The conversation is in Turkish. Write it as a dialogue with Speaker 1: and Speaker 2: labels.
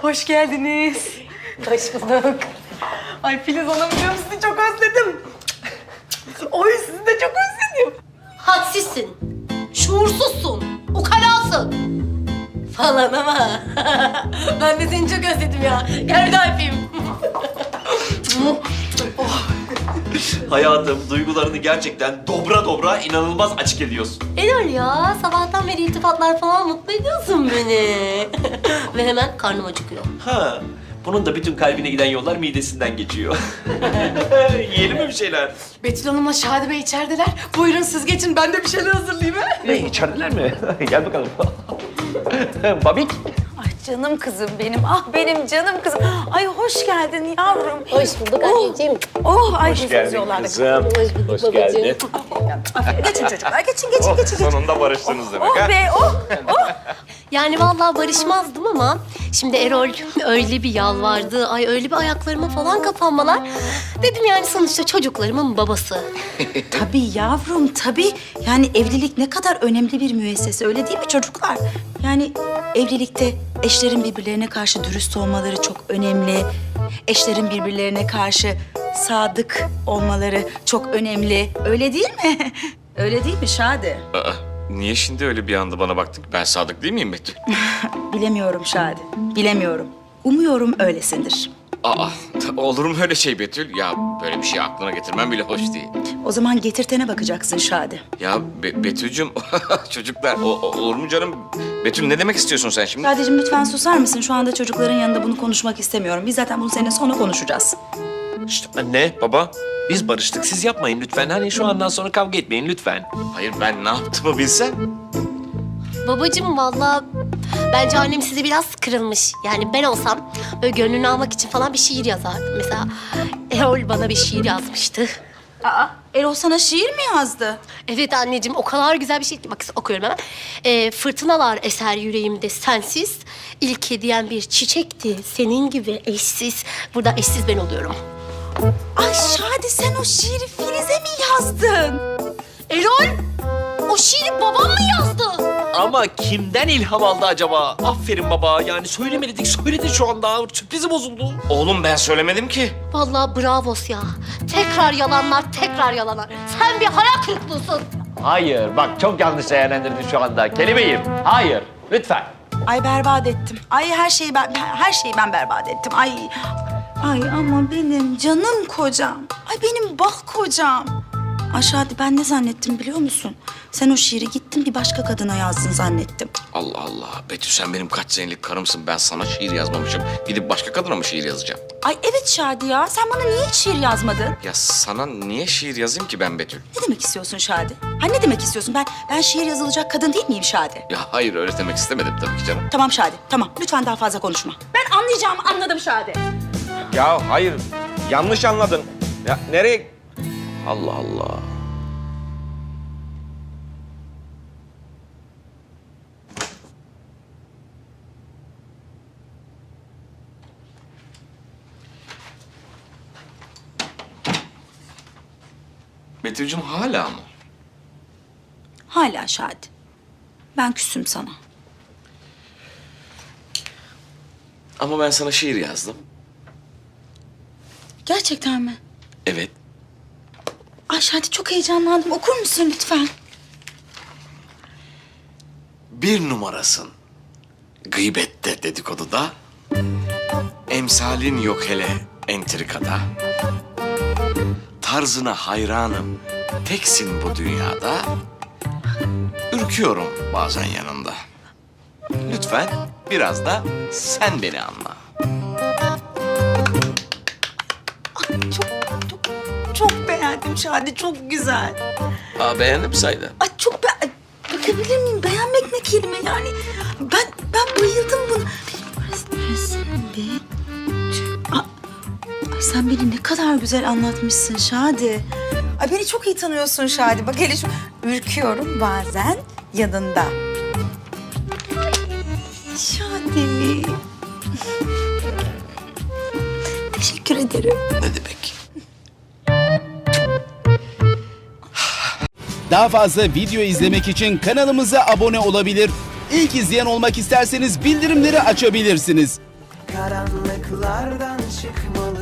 Speaker 1: Hoş geldiniz.
Speaker 2: Hoş bulduk.
Speaker 1: Ay Filiz Hanımcığım sizi çok özledim. Oy sizi de çok özledim.
Speaker 2: Hadsizsin, şuursuzsun, ukalasın falan ama ben de seni çok özledim ya. Gel bir daha öpeyim.
Speaker 3: Hayatım, duygularını gerçekten dobra dobra inanılmaz açık ediyorsun.
Speaker 2: Erol ya, sabahtan beri iltifatlar falan mutlu ediyorsun beni. Ve hemen karnım acıkıyor.
Speaker 3: Ha, bunun da bütün kalbine giden yollar midesinden geçiyor. Yiyelim mi bir şeyler?
Speaker 1: Betül Hanım'la Şadi Bey içerideler. Buyurun siz geçin ben de bir şeyler hazırlayayım ha.
Speaker 3: Ne, içerideler mi? Gel bakalım. Babik.
Speaker 4: Ay canım kızım benim, ah benim canım kızım. Ay hoş geldin yavrum.
Speaker 2: Hoş bulduk anneciğim.
Speaker 4: Oh, ay
Speaker 3: Hoş geldin kızım.
Speaker 2: Hoş bulduk babacığım.
Speaker 4: geçin çocuklar, geçin.
Speaker 3: Sonunda barıştınız demek
Speaker 4: Oh
Speaker 3: ha?
Speaker 4: be, oh.
Speaker 2: Yani vallahi barışmazdım ama şimdi Erol öyle bir yalvardı, ay öyle bir ayaklarıma falan kapanmalar. Dedim yani sonuçta çocuklarımın babası.
Speaker 4: Tabii yavrum, tabii. Yani evlilik ne kadar önemli bir müessese, öyle değil mi çocuklar? Yani evlilikte eşlerin birbirlerine karşı dürüst olmaları çok önemli. Eşlerin birbirlerine karşı sadık olmaları çok önemli. Öyle değil mi? Öyle değil mi Şadi?
Speaker 5: Aa, niye şimdi öyle bir anda bana baktın? Ben sadık değil miyim Betül?
Speaker 4: Bilemiyorum Şadi, bilemiyorum. Umuyorum öylesindir.
Speaker 5: Aa, olur mu öyle şey Betül? Ya böyle bir şey aklına getirmem bile hoş değil.
Speaker 4: O zaman getirtene bakacaksın Şadi.
Speaker 5: Ya Betül'cüm, çocuklar olur mu canım? Betül ne demek istiyorsun sen şimdi?
Speaker 4: Şadi'cim lütfen susar mısın? Şu anda çocukların yanında bunu konuşmak istemiyorum. Biz zaten bunu seninle sonra konuşacağız.
Speaker 3: İşte anne, baba. Biz barıştık. Siz yapmayın lütfen. Hani şu andan sonra kavga etmeyin lütfen.
Speaker 5: Hayır, ben ne yaptığımı bilsem.
Speaker 2: Babacığım vallahi bence annem size biraz kırılmış. Yani ben olsam böyle gönlünü almak için falan bir şiir yazardım. Mesela Erol bana bir şiir yazmıştı.
Speaker 4: Aa, Erol sana şiir mi yazdı?
Speaker 2: Evet anneciğim, o kadar güzel bir şey ki. Bak okuyorum hemen. Fırtınalar eser yüreğimde sensiz. İlk hediyen bir çiçekti senin gibi eşsiz. Burada eşsiz ben oluyorum.
Speaker 4: Ay Şadi sen o şiiri Filiz'e mi yazdın?
Speaker 2: Erol, o şiiri babam mı yazdı?
Speaker 3: Ama kimden ilham aldı acaba? Aferin baba. Yani söylemedik, söyledin şu anda. Sürprizi bozuldu.
Speaker 5: Oğlum ben söylemedim ki.
Speaker 2: Vallahi bravos ya. Tekrar yalanlar, tekrar yalanlar. Sen bir hayal kırıklığısın.
Speaker 3: Hayır, bak çok yanlış değerlendirdin şu anda. Kelimeyim. Hayır, lütfen.
Speaker 4: Ay berbat ettim. Ay her şeyi ben berbat ettim. Ay ama benim canım kocam. Ay benim bak kocam. Ay Şadi ben ne zannettim biliyor musun? Sen o şiiri gittin bir başka kadına yazdın zannettim.
Speaker 5: Allah Allah. Betül sen benim kaç senelik karımsın. Ben sana şiir yazmamışım. Gidip başka kadına mı şiir yazacağım?
Speaker 4: Ay evet Şadi ya. Sen bana niye hiç şiir yazmadın?
Speaker 5: Ya sana niye şiir yazayım ki ben Betül?
Speaker 4: Ne demek istiyorsun Şadi? Ha ne demek istiyorsun? Ben şiir yazılacak kadın değil miyim Şadi?
Speaker 5: Ya hayır, öyle demek istemedim tabii ki canım.
Speaker 4: Tamam Şadi, tamam. Lütfen daha fazla konuşma. Ben anlayacağımı anladım Şadi.
Speaker 6: Ya hayır, yanlış anladın. Ya nereye? Allah Allah.
Speaker 5: Betül'cüm hala mı?
Speaker 4: Hala Şadi. Ben küsüm sana.
Speaker 5: Ama ben sana şiir yazdım.
Speaker 4: Gerçekten mi?
Speaker 5: Evet.
Speaker 4: Ay Şadi çok heyecanlandım. Okur musun lütfen?
Speaker 5: Bir numarasın. Gıybette, dedikoduda. Emsalin yok hele entrikada. Tarzına hayranım. Teksin bu dünyada. Ürküyorum bazen yanında. Lütfen biraz da sen beni anla.
Speaker 4: Çok beğendim Şadi. Çok güzel.
Speaker 5: Aa, beğendim saydı.
Speaker 4: Ay bakabilir miyim? Beğenmek ne kelime yani? Ben bayıldım buna. Ay sen beni ne kadar güzel anlatmışsın Şadi. Ay beni çok iyi tanıyorsun Şadi. Bak hele şu ürküyorum bazen yanında. Şadi. Teşekkür ederim.
Speaker 5: Ne demek?
Speaker 7: Daha fazla video izlemek için kanalımıza abone olabilir. İlk izleyen olmak isterseniz bildirimleri açabilirsiniz.
Speaker 8: karanlıklardan çıkmalı.